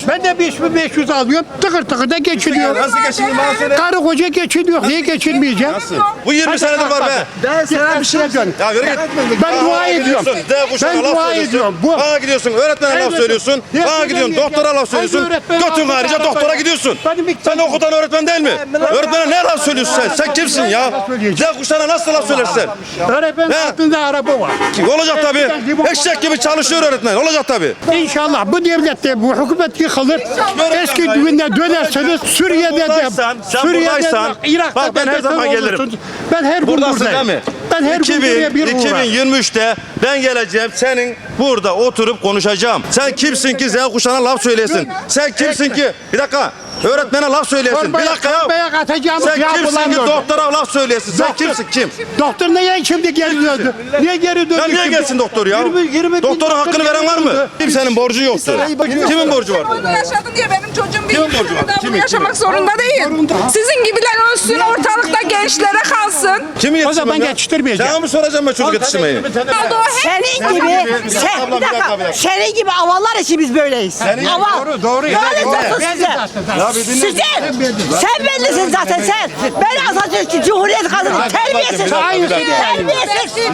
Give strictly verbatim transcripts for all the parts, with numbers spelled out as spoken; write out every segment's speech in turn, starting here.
Ben de beş bin beş yüz alıyorum. Tıkır tıkır da geçiniyor. Nasıl geçindin bana söyle. Karı koca geçiniyor. Niye geçinmeyeceğim? Nasıl? Bu yirmi senedir var be. Ben sana bir şey diyorum. Ya yürü git. Ben dua ediyorum. Ben dua ediyorum. Bu Bana gidiyorsun, öğretmene laf söylüyorsun. Bana gidiyorsun, doktora laf söylüyorsun. Götün ayrıca doktora gidiyorsun. Sen okutan öğretmen değil mi? Öğretmene ne laf söylüyorsun sen? Sen kimsin ya? Z kuşağına nasıl laf söylersin? öğretmen altında araba var. Olacak tabii. Eşek gibi çalışıyor öğretmen. Olacak tabii. İnşallah bu devlette bu hükümet yıkılır. Eski gününe dönerseniz Suriye'de de, buradaysan, sen Suriye'de buradaysan, de, Irak'ta bak ben da her zaman beton gelirim. olursunuz. Ben her gün Buradasın buradayım. değil mi? Ben her gün buraya bir iki bin uğrarım. yirmi üçte ben geleceğim senin burada oturup konuşacağım. Sen kimsin ki Z kuşağına laf söylesin? Sen kimsin ki? Bir dakika. Öğretmene laf söylesin. Bir dakika ya. Torbaya atacağımız Sen yağ kimsin ki bulamıyordum. doktora laf söylesin? Sen kimsin kim? Doktor niye şimdi geri döndü? Niye geri döndü? Ya niye şimdi? gelsin doktor ya? yirmi, yirmi bin Doktorun doktor hakkını veren geri var mı? döndü. Kimsenin borcu yoktu. Kimin borcu var? Bunu yaşadın diye benim çocuğum bir Kimin borcu var? daha bunu Kimin, yaşamak zorunda değil. Sizin gibiler ölsün ortalıkta gençlere kalsın. Kimi O zaman yetiştirmem ya? geçiştirmeyeceğim. Sana mı soracağım ben çocuk yetiştirmeyi? Oldu o hep Senin gibi, sen, Abla, bir dakika, bir dakika. senin gibi avallar için biz böyleyiz. Senin- Aval. Doğru, doğru. Ne Doğru. olacaksın Ben de size? zaten- Ya bir dinle. Sizin, sen bellisin zaten sen. Ben Atatürk'ü, Cumhuriyet kadını, terbiyesiz. bir dakika, bir dakika. Terbiyesiz.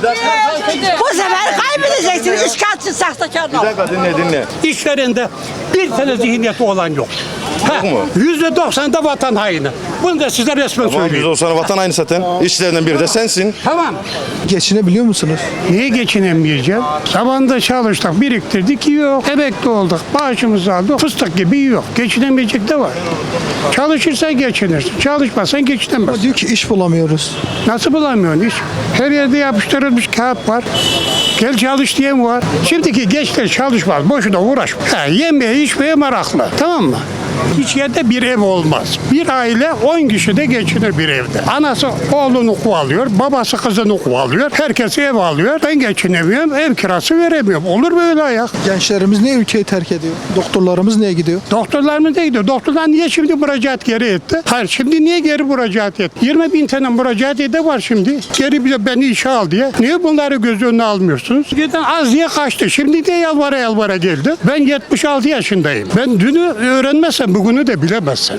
Bu sefer kaybedeceksin. Üç katçı sahtekarlar. Bir dakika dinle dinle. İşlerinde bir tane zihniyeti olan yok. Ha, mu? Yüzde doksan da vatan haini. Bunu da size resmen Tamam biz söyleyeyim. o sana vatan aynı zaten. İşçilerinden biri de sensin. Tamam. Geçinebiliyor musunuz? Niye geçinemeyeceğim? Zamanında çalıştık, biriktirdik, yok. Emekli olduk, maaşımızı aldık, fıstık gibi yok. Geçinemeyecek de var. Çalışırsan geçinirsin, çalışmazsan geçinemezsin. Diyor ki iş bulamıyoruz. Nasıl bulamıyorsun iş? Her yerde yapıştırılmış kağıt var. Gel çalış diyen var. Şimdiki gençler çalışmaz, boşuna uğraşmaz. Ha, yemeye içmeye meraklı, tamam mı? Hiç yerde bir ev olmaz. Bir aile on kişi de geçinir bir evde. Anası oğlunu kovalıyor, babası kızını kovalıyor. Herkes ev alıyor. Ben geçinemiyorum, ev kirası veremiyorum. Olur böyle ayak. Gençlerimiz niye ülkeyi terk ediyor? Doktorlarımız niye gidiyor? Doktorlarımız da gidiyor. Doktorlar niye şimdi müracaat geri etti? Hayır, şimdi niye geri müracaat etti? yirmi bin tane müracaat ede var şimdi. Geri bize beni işe al diye. Niye bunları göz önüne almıyorsunuz? Giden az diye kaçtı. Şimdi de yalvara yalvara geldi. Ben yetmiş altı yaşındayım. Ben dünü öğrenmezsem bugünü de bilemezsin.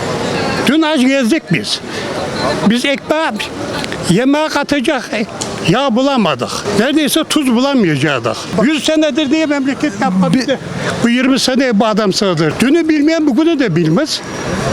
Dün aç gezdik biz. Biz ekmeğe yemeğe katacak yağ bulamadık. Neredeyse tuz bulamayacaktık. yüz senedir diye memleket yapmadı. Bu yirmi seneye bu adam sığdır. Dünü bilmeyen bugünü de bilmez.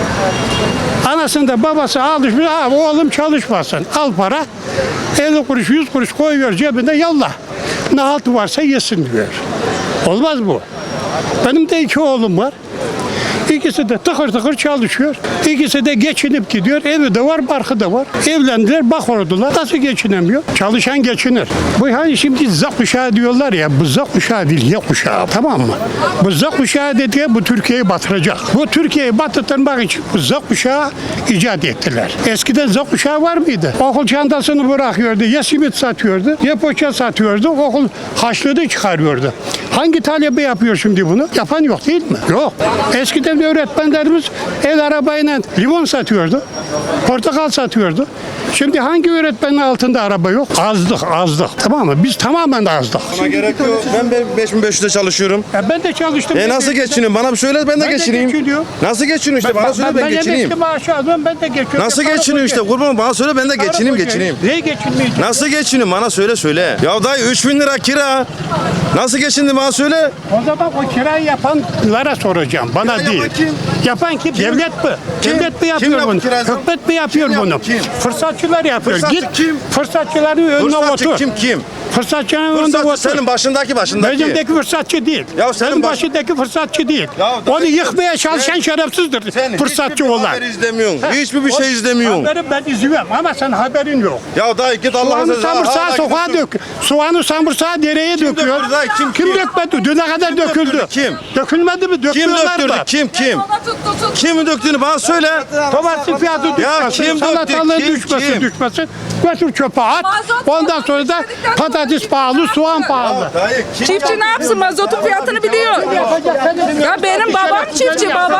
Anasında babası alışmış, abi oğlum çalışmasın. Al para, elli kuruş, yüz kuruş koyuyor cebine, yallah. Ne haltı varsa yesin diyor. Olmaz bu. Benim de iki oğlum var. İkisi de tıkır tıkır çalışıyor. İkisi de geçinip gidiyor. Evi de var, barkı da var. Evlendiler, bak oldular. Nasıl geçinemiyor? Çalışan geçinir. Bu hani şimdi Z kuşağı diyorlar ya, bu Z kuşağı değil, Y kuşağı. Tamam mı? Bu Z kuşağı dediği bu Türkiye'yi batıracak. Bu Türkiye'yi batırtmak için bu Z kuşağı icat ettiler. Eskiden Z kuşağı var mıydı? Okul çantasını bırakıyordu. Ya simit satıyordu, ya poğaça satıyordu. Okul haşlığı çıkarıyordu. Hangi talebe yapıyor şimdi bunu? Yapan yok değil mi? Yok. Eskiden öğretmenlerimiz el arabayla limon satıyordu. Portakal satıyordu. Şimdi hangi öğretmenin altında araba yok? Azdık, azdık. Tamam mı? Biz tamamen azdık. Bana gerek yok. Ben beş bin beş yüzde çalışıyorum. Ya ben de çalıştım. E nasıl geçiniyorum? Bana bir söyle ben de Ben de geçineyim. geçiniyorum. Nasıl geçiniyorsun işte? Bana söyle ben geçineyim. emekli maaşı alıyorum, ben de geçiyorum. Nasıl Ya, geçiniyor işte? karı Kurban bana söyle ben de koca- geçineyim karı geçineyim. koca- Neye geçinmeyeceğim? Nasıl geçiniyorum? Bana söyle söyle. Ya dayı üç bin lira kira. Nasıl geçindi bana söyle. O zaman o kirayı yapanlara soracağım. Bana Kirayı değil. yapan kim? Yapan kim? Devlet mi? Kim? Devlet mi Kim yapıyor yaptı bunu? kirayı? Hükümet mi yapıyor Kim bunu? yaptı? Kim? Fırsatçılar yapıyor. Fırsatçı Git kim? fırsatçıların önüne Fırsatçı otur. kim kim? Fırsatçının önünde Fırsatçı otur. senin başındaki başındaki. Benimdeki fırsatçı değil. Ya senin Benim baş- başındaki fırsatçı değil. Ya Onu dayı- yıkmaya çalışan Sen- şerefsizdir. Sen Fırsatçı hiçbir olan. haber izlemiyorsun. Ha, Hiçbir bir o- şey izlemiyorsun. Haberi ben izliyorum ama sen haberin yok. Ya dayı git Allah'ın Soğanı sözü. samırsağı sokağa dök. Soğanı samırsağı dereye döküyor. döktü dayı? Kim, Kim kim? dökmedi? Düne kadar Kim döküldü. döktürdü? Kim? Dökülmedi mi? Kim Döküyorlar döktürdü? da. Kim kim? Ona tut tut tut. Kim döktüğünü bana söyle. Domatesin fiyatı düşmesin, kim döktü? salatalığın Kim, düşmesin, kim? düşmesin. Götür çöpe at. Mazot Ondan sonra da yükseldikten sonra patates pahalı, soğan pahalı. Dayı kim? Çiftçi ne yapsın? Mazotun fiyatını biliyor. Ya benim babam çiftçi baba. Şerefsiz, şerefsiz kim ya? Şerefsizler tüccarların. Kim, kim? Tüccarın götünü kaldıran kim? Tüccarların.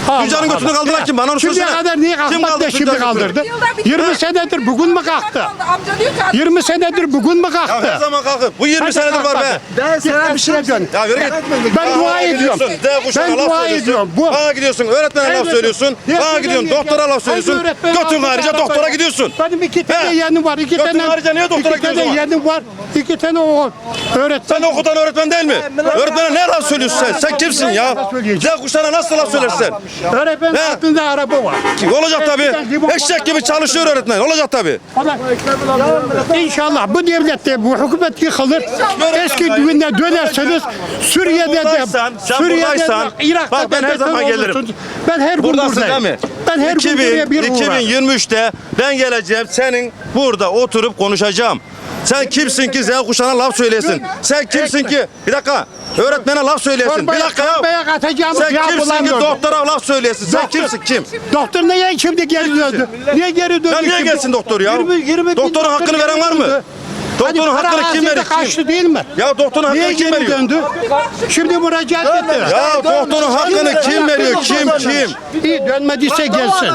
Allah Tuncay'ın götünü Allah. kaldıran kim? Bana onu Şimdiye söylesene. kadar niye Kim kalkmadı kaldırdı da şimdi Tuncay'ın götünü? kaldırdı? Yılda bir- yirmi senedir bugün mü kalktı? Amca diyor ki adam- yirmi senedir bugün mü Ya kalktı? her zaman kalkıp. Bu yirmi Hadi senedir var be. kalkmadı. Ben sana bir şey dön. Ya yürü git. Ben Bana dua ediyorum. gidiyorsun, Z kuşağına Ben laf dua söylüyorsun. ediyorum. Bu- Bana gidiyorsun, öğretmene laf Evet. söylüyorsun. Ne Bana gidiyorsun, söylemiyor doktora ya? laf söylüyorsun. Hangi öğretmen Götün aldı harici araba doktora koydu? gidiyorsun. Benim iki tane He. yeğenim var. iki Götün tane. harici niye doktora iki gidiyorsun tane o zaman? yeğenim var. iki tane o öğretmen. Sen okutan öğretmen değil mi? Öğretmene ne laf söylüyorsun sen? Sen kimsin ya? Z kuşağına nasıl laf söylersin? Öğretmenin He. altında araba var. Olacak tabii. Eşek gibi çalışıyor öğretmen. Olacak tabii. O da- İnşallah bu devlette bu hükümet yıkılır. Eski düğüne dönerseniz Suriye'de de buradaysan, sen buradaysan, de Irak'ta bak ben da her zaman beter gelirim. olursunuz. Ben her gün Buradasın buradayım. değil mi? Ben her gün buraya bir uğrarım. iki bin yirmi üçte ben geleceğim senin burada oturup konuşacağım. Sen kimsin ki Z kuşağına laf söylesin? Sen kimsin ki? Bir dakika. Öğretmene laf söylesin. Bir Torbaya- dakika ya. torbaya katacağımız Sen yağ kimsin ki bulamıyordum. doktora laf söylesin? Sen kimsin kim? Doktor niye şimdi geri döndü? Niye geri döndü? Ya niye şimdi? gelsin doktor ya? yirmi, yirmi bin Doktorun doktor hakkını veren var mı? döndü. Doktorun Hani para hakkını kim ağzıyla veriyor? Kim? kaçtı değil mi? Ya doktorun Niye hakkını kim geri veriyor? döndü? Şimdi müracaat etti. Ya doktorun hakkını kim veriyor? Kim kim? İyi dönmediyse gelsin.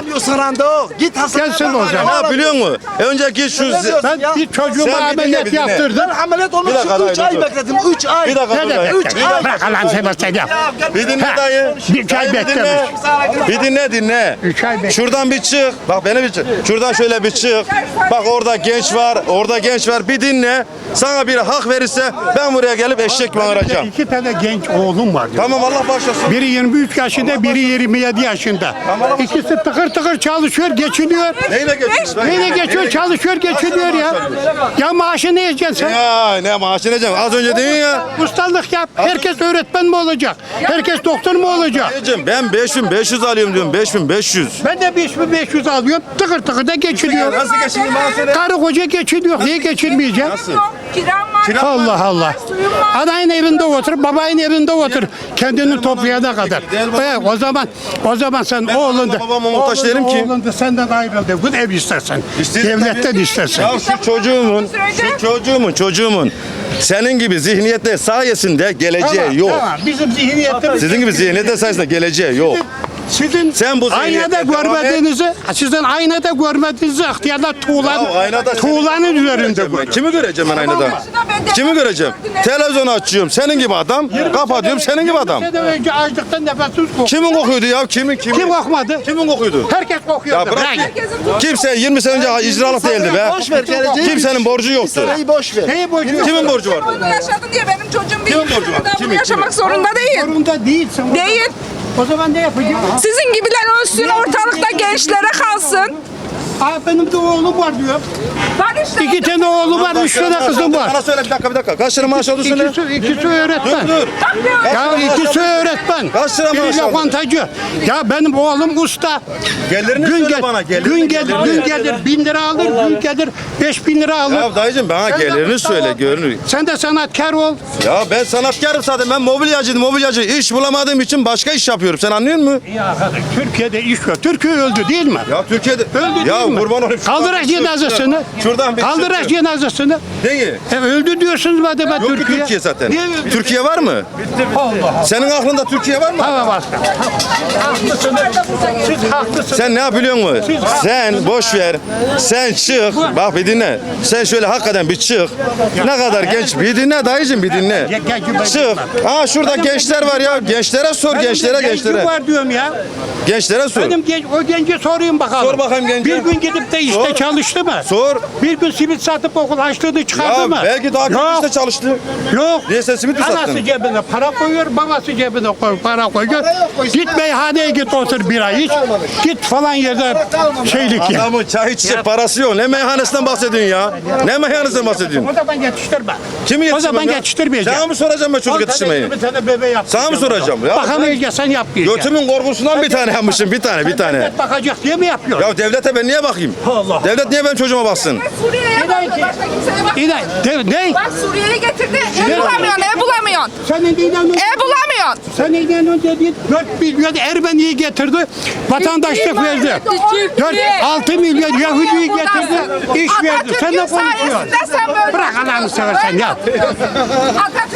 Git hastaneye. Gelsin o zaman. Ne biliyor musun? Önce git şu... Ben bir çocuğuma Sen bir dinle, ameliyat bir dinle. yaptırdım. Ameliyat Bir olmak dakika, için üç dayı, ay dur. bekledim. üç ay. Bir dakika Ne dur demek? dayı. Bir dakika. Bırak Allah'ını seversen ya. Bir dinle Ha, dayı. bir ay Dayı bir dinle. Bir dinle dinle. Üç ay beklemiş. Şuradan bir çık. Bak beni bir çık. Şuradan şöyle bir çık. Bak orada genç var. Orada genç var. Bir dinle. Sana bir hak verirse ben buraya gelip eşek bağıracağım. İki tane genç oğlum var. diyor. Tamam Allah başlasın. Biri yirmi üç yaşında, biri yirmi yedi yaşında. İkisi tıkır tıkır çalışıyor, geçiniyor. Neyle geçiyorsun? Neyle geçiyor, çalışıyor, geçiniyor ya. Ya maaşı ne yiyeceksin sen? Ya ne maaşı ne canım? Az önce dedin ya. Ustalık yap. Herkes öğretmen mi olacak? Herkes doktor mu olacak? Dayıcım ben beş bin beş yüz alıyorum diyorum. beş bin beş yüz. Ben de beş bin beş yüz alıyorum. Tıkır tıkır da geçiniyor. Nasıl geçindin bana söyle. Karı koca geçiniyor. Niye geçinmeyecek? Kiram var. Allah Allah. Suyum var. Anayın evinde otur, babayın evinde otur. Kendini toplayana kadar. Evet, o zaman o zaman sen oğlun da babama muhtaç değilim ki. Oğlun da senden ayrıldı. Bu ev istersen. İstedim Devletten tabii. istersen. Ya şu çocuğumun, şu çocuğumun, çocuğumun senin gibi zihniyette sayesinde geleceği Tamam, yok. tamam. Bizim zihniyetimiz. Sizin gibi zihniyette sayesinde geleceği yok. Sizin Sen bu aynada zihniyette devam görmediğinizi, sizin aynada görmediğinizi ihtiyarlar tuğlan, Ya aynada seni- tuğlanın üzerinde Ben görüyor. kimi göreceğim ben aynada? Kimi göreceğim? Televizyonu açıyorum senin gibi adam, kapatıyorum senin gibi adam. yirmi sene önce açlıktan nefessiz koktu. Kimin kokuyordu ya? Kimin kimin? Kim kokmadı? Kimin kokuyordu? Herkes kokuyordu. Ya bırak. Bırak. Kimse yirmi sene önce icralık değildi be. Boş ver geleceği. Kimsenin borcu yoktu. Neyi boş ver. Neyi boşuyor? Kimin borcu vardı? Bunu yaşadı diye benim çocuğum bir Kimin borcu yıl var? daha Kimin, bunu yaşamak kimin? zorunda değil. Zorunda değilsin. O Değil. zaman- O zaman ne yapacağım? Sizin gibiler ölsün, ortalıkta gençlere kalsın. Aa, benim de oğlum var diyor. Var işte. İki tane oğlum var, üç tane kızım var. Bana söyle bir dakika bir dakika. Kaç lira maaş alıyorsun söyle. İkisi, ikisi öğretmen. Dur. Ya ikisi öğretmen. Kaç lira maaş Biri aldın? lokantacı. Ya benim oğlum usta. Gelirini Gün, söyle gel, bana. Gelirini, gün gelir, gelirini. gün gelir, bin lira alır, gün gelir, beş bin lira alır. Ya dayıcım bana Sen de gelirini usta söyle ol. görünür. Sen de sanatkar ol. Ya ben sanatkarım zaten. Ben mobilyacıyım mobilyacı. İş bulamadığım için başka iş yapıyorum. Sen anlıyor musun? Ya Türkiye'de iş yok. Türkiye öldü değil mi? Ya Türkiye'de... Öldü ya değil mi? kurban olayım. şuradan Kaldıraç bir çık. cenazesini. Şuradan bir Kaldıraç çık. cenazesini. Neyi? E, öldü diyorsunuz madem Yok ki Türkiye. Türkiye zaten. Niye öldü? Türkiye var mı? Allah Allah. Senin aklında Türkiye var mı? Hava bastı. Haklısınız. Siz haklısınız. Sen ne yapıyor musun? Sen boş ver. Sen çık. Bak bir dinle. Sen şöyle hakikaten bir çık. Ne kadar genç. Bir dinle dayıcım bir dinle. Gel- gel ki ben Çık. bilmem. Aa şurada gençler var ya. Gençlere sor Benim gençlere de gencim gençlere. var diyorum ya. Gençlere sor. Benim genç, o gence sorayım bakalım. Sor bakayım gence. Bir gün gidip de işte Sor. çalıştı mı? Sor. Bir gün simit satıp okul açtığını çıkardı Ya mı? belki daha kötü Yok. işte çalıştı. Yok. Niye sen simit mi Anası sattın? cebine para koyuyor, babası cebine koy, para koyuyor. Git meyhaneye git otur bira iç. Git falan yerde şeylik ya. Adamın çay içecek parası yok. Ne meyhanesinden bahsediyorsun ya? Ne meyhanesinden bahsediyorsun? O zaman yetiştirme. Kimi O yetiştirmem zaman ya? yetiştirmeyeceğim. Sana mı soracağım ben çocuk yetiştirmeyi? Bir tane bebe yap. Sana mı soracağım ya? Bakamayacaksan yapmayacaksın. Götümün korkusundan bir tane yapmışım. Bir tane bir tane. Devlet bakacak diye mi yapıyor? Ya devlete ben niye bakayım? Allah. Devlet niye benim çocuğuma baksın? Suriye'ye bakıyor. Başka kimseye bak. İnan, de, ne? Bak Suriye'yi getirdi. Ev bulamıyorsun, ev bulamıyorsun. Sen neyden önce, Ev bulamıyorsun. sen neyden önce değil, dört milyon Ermeni'yi getirdi, vatandaşlık verdi. dört altı milyon Yahudi'yi getirdi, iş verdi. Sen ne konuşuyorsun? Sen böyle Bırak Allah'ını seversen ya. Atatürk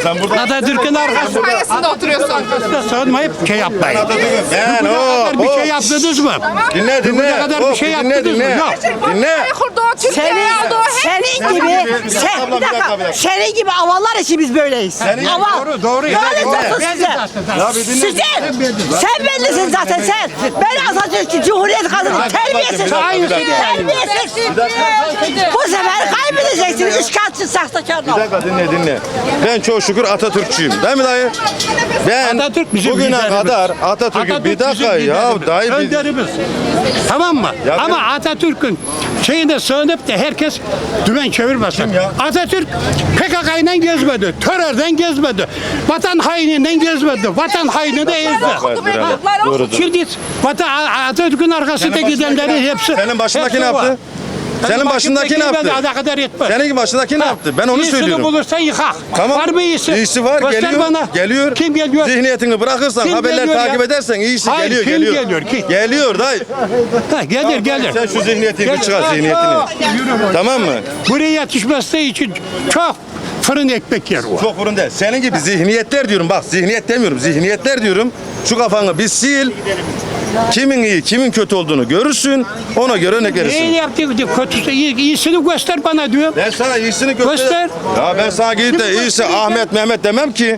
Sen burada Atatürk'ün arkasında sayesinde oturuyorsun. sığınmayıp şey yapmayın. ben Bugüne o kadar bir şey yaptınız mı? Dinle dinle. Bugüne kadar bir Of, şey dinle, yaptınız mı? dinle. Yok. Dinle. Kurdu o Türkiye'ye Senin, aldı o hep. senin gibi, sen, Abla, bir bir dakika, bir dakika, dakika. senin gibi avallar için biz böyleyiz. Senin- Aval. Doğru, doğru. Böyle Yani, zaten doğru. size. Ya bir dinle. Sizin, sen bellisin zaten sen. Ben Atatürk'ü, Cumhuriyet kadını, terbiyesiz. bir dakika, bir dakika. Terbiyesiz. Bu sefer kaybedeceksin. Üç kağıtçı sahtekar. Bir dakika dinle dinle. Ben çok şükür Atatürkçüyüm. Değil mi dayı? Ben Atatürk bizim bugüne liderimiz. kadar Atatürk'ü Atatürk bir dakika bizim ya liderimiz, dayı bir- önderimiz. Tamam mı? Ya Ama ben- Atatürk'ün şeyine sığınıp da herkes dümen çevirmesin. ya? Atatürk P K K'yla gezmedi, terörden gezmedi, vatan haininden gezmedi, vatan hainini de ezdi. Evet, Ha, doğrudur. Şimdi vatan, Atatürk'ün arkasında gidenlerin hepsi... Senin başındaki hepsi ne var. yaptı? Senin başındaki ne yaptı? Daha kadar yetmez. Senin başındaki ne yaptı? Ben onu İyisini söylüyorum. bulursan yıkak. Tamam. Var mı iyisi? İyisi var, Göster geliyor. bana. Geliyor. Kim geliyor? Zihniyetini bırakırsan, Kim haberler geliyor takip ya? edersen iyisi Hayır, geliyor, kim geliyor. geliyor, kim? Geliyor dayı. Ha, gelir gelir. Sen şu zihniyetini Gel- çıkar, Ha, zihniyetini. çok. Tamam mı? Buraya yetişmesi için çok fırın ekmek yer var. Çok fırın değil. Senin gibi zihniyetler diyorum. Bak zihniyet demiyorum. Zihniyetler diyorum. Şu kafanı bir sil. Kimin iyi, kimin kötü olduğunu görürsün. Ona göre örnek İyi verirsin. yaptı, kötüsü, iyi, iyisini göster bana diyorum. Ben sana iyisini göster. Göster. Ya ben sana gidip de iyisi Ahmet Mehmet demem ki.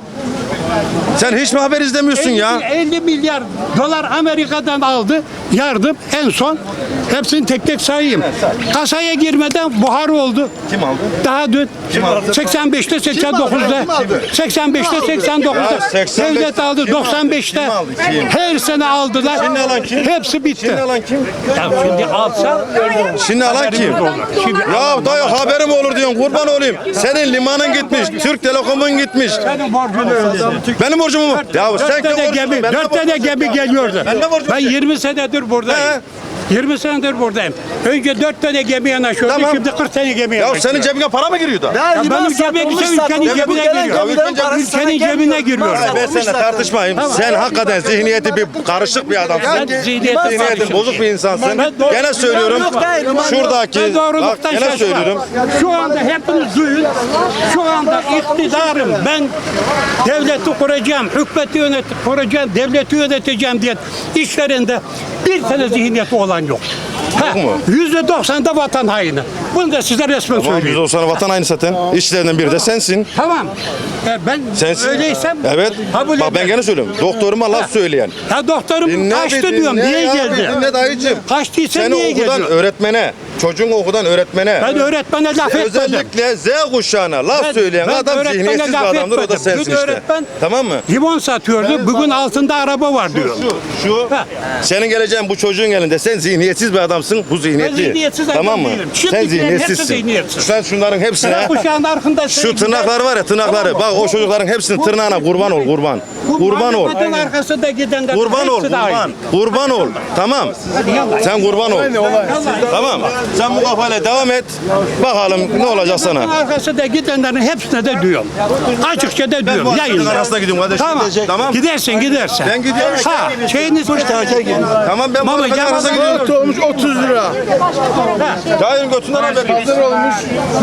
Sen hiç mi haber izlemiyorsun ya? elli milyar dolar Amerika'dan aldı yardım en son. Hepsini tek tek sayayım. Kasaya girmeden buhar oldu. Kim aldı? Daha dün. Kim aldı? seksen beşte seksen dokuzda. Kim aldı? seksen beşte seksen dokuzda. Ya seksen beş Devlet aldı kim aldı? doksan beşte. Kim aldı? Kim? Her sene aldılar. Şimdi alan kim? Hepsi bitti. Şimdi alan kim? Ya şimdi alsa Şimdi alan kim? Şimdi Ya dayı haberim olur diyorsun kurban olayım. Senin limanın gitmiş, Türk Telekom'un gitmiş. senin borcunu ödesin. Benim borcum mu? Ya sen Dört tane kim gemi, borcun? Ben de dört tane borcum. gemi geliyordu. Ben de borcum. Ben yirmi senedir buradayım. yirmi senedir buradayım. Önce dört tane gemi yanaşıyordu, Tamam. şimdi kırk tane gemi Ya yanaşıyor. senin cebine para mı giriyor da? Ya benim cebime gitse ülkenin cebine giriyor. Ülkenin cebine giriyor. Ben seninle tartışmayayım. Sen hakikaten zihniyeti bir karışık bir adamsın. Ben zihniyet Zihniyetin bozuk bir insansın. Ben doğru- Gene söylüyorum. Şuradaki Ben bak doğruluktan gene şaşmam. söylüyorum. Şu anda hepiniz duyun. Şu anda iktidarım. Ben devleti kuracağım, hükümeti yönet kuracağım, devleti yöneteceğim diye işlerinde bir tane zihniyeti olan yok. Ha, mu? yüzde doksanda vatan haini. Bunu da size resmen Tamam biz söyleyeyim. o sana vatan aynı zaten. İşçilerinden biri de sensin. Tamam. E, ben Sensin. öyleysem Evet. kabul Bak ben ederim. gene söylüyorum. Doktoruma laf söyleyen. Ya doktorum Dinle kaçtı bir diyorum. dinle Niye ya, geldi? bir Dinle dayıcım. Kaçtıysa Seni niye okuldan geliyor? öğretmene, çocuğun okuldan öğretmene. Ben öğretmene laf etmedim. Özellikle Z kuşağına laf Ben- söyleyen ben adam öğretmene zihniyetsiz bir laf adamdır. O da etmedim. sensin Dün işte. öğretmen- Tamam mı? Limon satıyordu. Bugün altında araba var diyor. Şu, şu. Ha. Senin geleceğin bu çocuğun elinde. Sen zihniyetsiz bir adamsın. Bu zihniyetli. Ben zihniyetsiz adam Tamam mı? değilim. Sen Şimdikilerin hepsi zihniyetsizsin. zihniyetsiz. Sen şunların hepsine. Sen kuşağın arkında Şu tırnaklar var ya tırnakları. Bak o çocukların hepsinin tırnağına kurban ol kurban. Kurban ol. Kurban arkasında gidenler. Kurban ol hepsi de aynı. kurban. Kurban ol. Tamam. Sen kurban ol. Tamam. Sen bu kafayla devam et. Bakalım ne olacak Kurban sana. arkasında gidenlerin hepsine de diyorum. Açıkça da Ben bu diyorum. arkadaşın Yayınla. arasına gidiyorum kardeşim. Tamam. Tamam. Gidersin gidersin. Ben gidiyorum. Ha, şeyiniz Tamam ben bu Mama, arkadaşın gel arasına bana. gidiyorum. Olmuş otuz lira. Cahil'in götünden haber. Hazır olmuş.